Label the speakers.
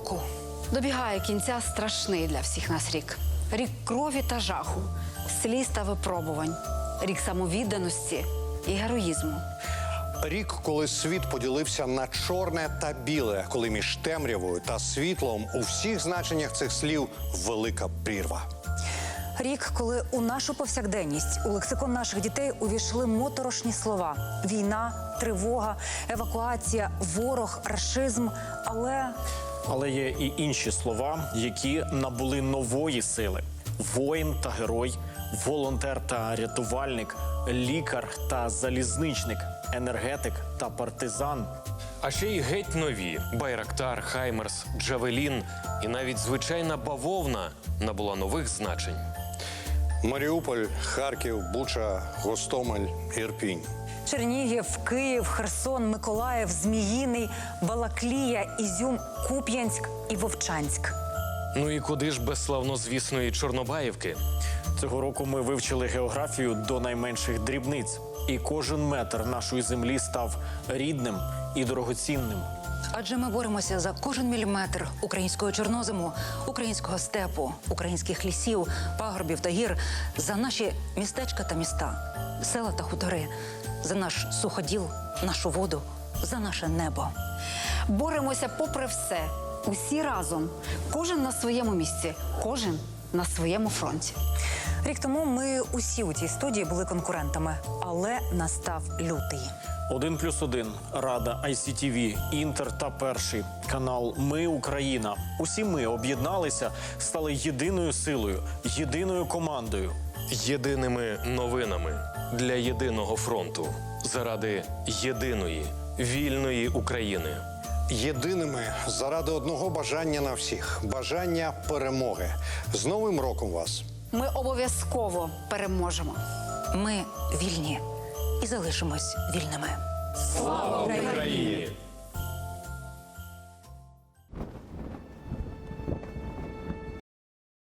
Speaker 1: року. Добігає кінця страшний для всіх нас рік. Рік крові та жаху, сліз та випробувань. Рік самовідданості і героїзму.
Speaker 2: Рік, коли світ поділився на чорне та біле, коли між темрявою та світлом у всіх значеннях цих слів велика прірва.
Speaker 3: Рік, коли у нашу повсякденність, у лексикон наших дітей увійшли моторошні слова: війна, тривога, евакуація, ворог, рашизм,
Speaker 4: Але є і інші слова, які набули нової сили: воїн та герой, волонтер та рятувальник, лікар та залізничник, енергетик та партизан.
Speaker 5: А ще й геть нові – Байрактар, Хаймерс, Джавелін і навіть звичайна бавовна набула нових значень.
Speaker 2: Маріуполь, Харків, Буча, Гостомель, Ірпінь.
Speaker 3: Чернігів, Київ, Херсон, Миколаїв, Зміїний, Балаклія, Ізюм, Куп'янськ і Вовчанськ.
Speaker 5: Ну і куди ж без славнозвісної Чорнобаївки?
Speaker 4: Цього року ми вивчили географію до найменших дрібниць. І кожен метр нашої землі став рідним і дорогоцінним.
Speaker 6: Адже ми боремося за кожен міліметр українського чорнозему, українського степу, українських лісів, пагорбів та гір, за наші містечка та міста, села та хутори, за наш суходіл, нашу воду, за наше небо.
Speaker 1: Боремося попри все, усі разом, кожен на своєму місці, кожен на своєму фронті.
Speaker 3: Рік тому ми усі у цій студії були конкурентами, але настав лютий.
Speaker 4: 1+1, Рада, ICTV, Інтер та Перший, канал «Ми Україна». Усі ми об'єдналися, стали єдиною силою, єдиною командою.
Speaker 5: Єдиними новинами для єдиного фронту. Заради єдиної, вільної України.
Speaker 2: Єдиними заради одного бажання на всіх – бажання перемоги. З Новим роком вас!
Speaker 1: Ми обов'язково переможемо.
Speaker 6: Ми вільні і залишимось вільними.
Speaker 5: Слава Україні!